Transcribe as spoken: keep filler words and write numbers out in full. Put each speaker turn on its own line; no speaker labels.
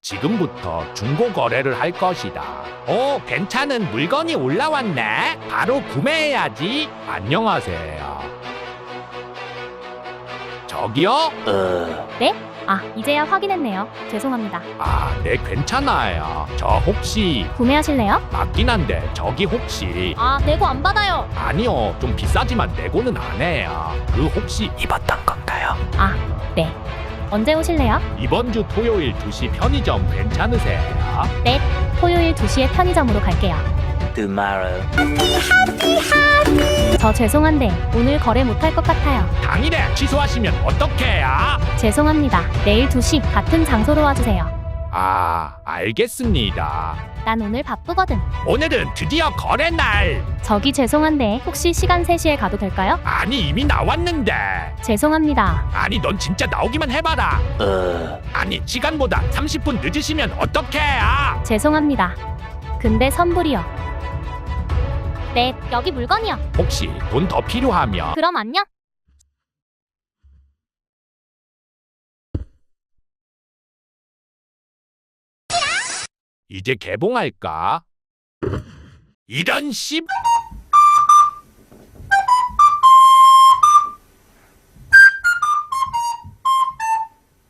지금부터 중고 거래를 할 것이다. 오, 괜찮은 물건이 올라왔네. 바로 구매해야지. 안녕하세요. 저기요?
어,
네? 아, 이제야 확인했네요. 죄송합니다.
아, 네, 괜찮아요. 저 혹시
구매하실래요?
맞긴 한데 저기 혹시
아, 내고 안 받아요.
아니요, 좀 비싸지만 내고는 안 해요. 그 혹시
입었던 건가요?
아, 네. 언제 오실래요?
이번 주 토요일 두 시 편의점 괜찮으세요?
네. 토요일 두 시에 편의점으로 갈게요.
Tomorrow.
저 죄송한데 오늘 거래 못할 것 같아요.
당일에 취소하시면 어떡해요?
죄송합니다. 내일 두 시 같은 장소로 와주세요.
아, 알겠습니다.
난 오늘 바쁘거든.
오늘은 드디어 거래 날.
저기 죄송한데 혹시 시간 세 시에 가도 될까요?
아니, 이미 나왔는데.
죄송합니다.
아니, 넌 진짜 나오기만 해봐라.
어,
아니, 시간보다 삼십 분 늦으시면 어떡해요?
죄송합니다. 근데 선불이요. 네, 여기 물건이요.
혹시 돈 더 필요하면
그럼 안녕.
이제 개봉할까? 이런 씨.